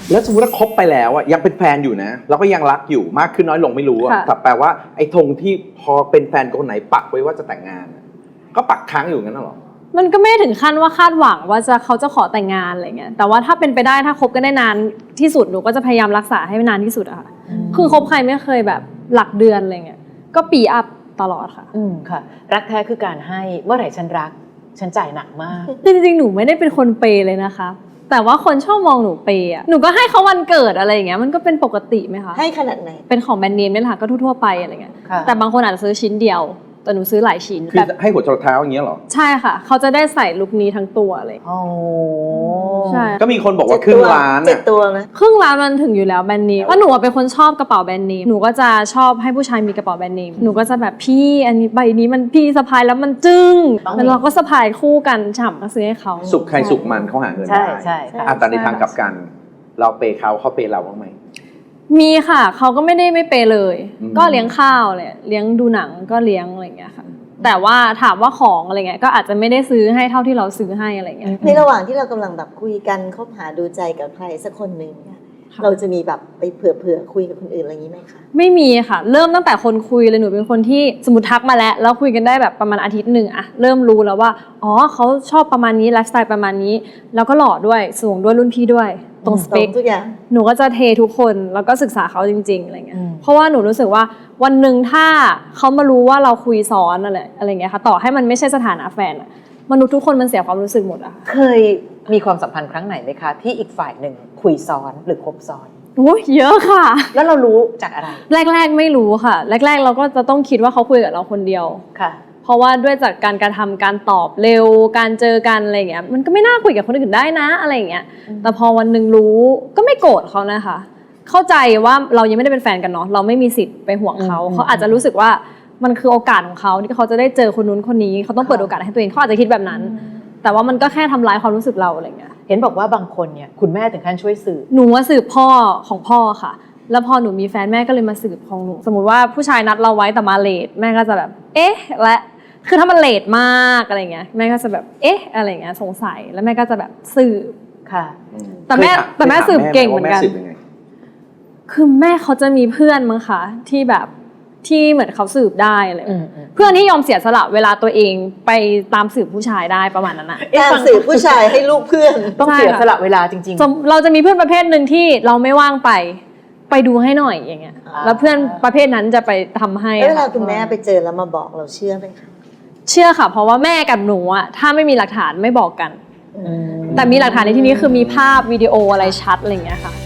แล้วสมมติว่าคบไปแล้วอ่ะยังเป็นแฟนอยู่นะแล้วก็ยังรักอยู่มากขึ้นน้อยลงไม่รู้อ่ะแต่แปลว่าไอ้ธงที่พอเป็นแฟนคนไหนปักไว้ว่าจะแต่งงานก็ปักค้างอยู่งั้นหรอมันก็ไม่ถึงขั้นว่าคาดหวังว่าเขาจะขอแต่งงานอะไรเงี้ยแต่ว่าถ้าเป็นไปได้ถ้าคบกันได้นานที่สุดหนูก็จะพยายามรักษาให้นานที่สุดอะค่ะคือคบใครไม่เคยแบบหลักเดือนอะไรเงี้ยก็ปีอัพตลอดค่ะค่ะรักแท้คือการให้เมื่อไหร่ฉันรักฉันจ่ายหนักมากจริงๆหนูไม่ได้เป็นคนเปย์เลยนะคะแต่ว่าคนชอบมองหนูเปย์อะหนูก็ให้เขาวันเกิดอะไรอย่างเงี้ยมันก็เป็นปกติไหมคะให้ขนาดไหนเป็นของแบรนด์เนมนี่แหละค่ะก็ทั่วๆไปอะไรเงี้ยแต่บางคนอาจจะซื้อชิ้นเดียวแต่หนูซื้อหลายชิ้นคือให้หัวจรดเท้าอย่างเงี้ยหรอใช่ค่ะเขาจะได้ใส่ลุคนี้ทั้งตัวเลยโอ้ใช่ก็มีคนบอกว่าครึ่งล้าน 7 ตัวนะครึ่งล้านมันถึงอยู่แล้วแบรนด์เนมว่าหนูเป็นคนชอบกระเป๋าแบรนด์เนมหนูก็จะชอบให้ผู้ชายมีกระเป๋าแบรนด์เนมหนูก็จะแบบพี่อันนี้ใบนี้มันพี่สะพายแล้วมันจึ้งแล้วเราก็สะพายคู่กันฉ่ำก็ซื้อให้เขาสุขใครสุขมันเขาหาเงินได้ใช่แต่ในทางกลับกันเราเปย์เขาเปย์เราบ้างไหมมีค่ะเขาก็ไม่ได้ไม่เปย์เลยก็เลี้ยงข้าวเลยเลี้ยงดูหนังก็เลี้ยงอะไรอย่างเงี้ยค่ะแต่ว่าถามว่าของอะไรเงี้ยก็อาจจะไม่ได้ซื้อให้เท่าที่เราซื้อให้อะไรเงี้ยในระหว่างที่เรากำลังแบบคุยกันคบหาดูใจกับใครสักคนหนึ่งเนี่ยเราจะมีแบบไปเผื่อคุยกับคนอื่นอะไรอย่างนี้ไหมคะไม่มีค่ะเริ่มตั้งแต่คนคุยเลยหนูเป็นคนที่สมมติทักมาแล้วคุยกันได้แบบประมาณอาทิตย์หนึ่งอะเริ่มรู้แล้วว่าอ๋อเขาชอบประมาณนี้ไลฟ์สไตล์ประมาณนี้แล้วก็หล่อด้วยสูงด้วยรุ่นพี่ด้วยตรงสเปคทุกอย่างหนูก็จะเททุกคนแล้วก็ศึกษาเขาจริงๆอะไรเงี้ยเพราะว่าหนูรู้สึกว่าวันหนึ่งถ้าเขามารู้ว่าเราคุยซ้อนอะไรเงี้ยค่ะต่อให้มันไม่ใช่สถานะแฟนอะมนุษย์ทุกคนมันเสียความรู้สึกหมดอะเคยมีความสัมพันธ์ครั้งไหนไหมคะที่อีกฝ่ายหนึ่งคุยซ้อนหรือคบซ้อนโอ้ยเยอะค่ะแล้วเรารู้จากอะไรแรกๆไม่รู้ค่ะแรกๆเราก็จะต้องคิดว่าเขาคุยกับเราคนเดียวค่ะเพราะว่าด้วยจากการกระทำการตอบเร็วการเจอกันอะไรเงี้ยมันก็ไม่น่าคุยกับคนอื่นได้นะอะไรเงี้ยแต่พอวันหนึ่งรู้ก็ไม่โกรธเขานะคะเข้าใจว่าเรายังไม่ได้เป็นแฟนกันเนาะเราไม่มีสิทธิ์ไปห่วงเขาเขาอาจจะรู้สึกว่ามันคือโอกาสของเขาที่เขาจะได้เจอคนนู้นคนนี้เขาต้องเปิดโอกาสให้ตัวเองเขาอาจจะคิดแบบนั้นแต่ว่ามันก็แค่ทำร้ายความรู้สึกเราอะไรเงี้ยเห็นบอกว่าบางคนเนี่ยคุณแม่ถึงขั้นช่วยสืบหนูว่าสืบพ่อของพ่อค่ะแล้วพอหนูมีแฟนแม่ก็เลยมาสืบของหนูสมมุติว่าผู้ชายนัดเราไว้แต่มาเลทแม่ก็จะแบบเอ๊ะและคือถ้ามันเลทมากอะไรเงี้ยแม่ก็จะแบบเอ๊ะอะไรเงี้ยสงสัยแล้วแม่ก็จะแบบสืบค่ะแต่แม่สืบเก่งเหมือนกันคือแม่เขาจะมีเพื่อนมั้งคะที่แบบที่เหมือนเขาสืบได้อะไรเพื่อนที่ยอมเสียสละเวลาตัวเองไปตามสืบผู้ชายได้ประมาณนั้นนะตามสืบผู้ชายให้ลูกเพื่อนต้องเสียสละเวลาจริงๆเราจะมีเพื่อนประเภทหนึ่งที่เราไม่ว่างไปดูให้หน่อยอย่างเงี้ยแล้วเพื่อนประเภทนั้นจะไปทำให้เวลาคุณแม่ไปเจอแล้วมาบอกเราเชื่อไหมคะเชื่อค่ะเพราะว่าแม่กับหนูอะถ้าไม่มีหลักฐานไม่บอกกันแต่มีหลักฐานในที่นี้คือมีภาพวิดีโออะไรชัดอะไรอย่างเงี้ยค่ะ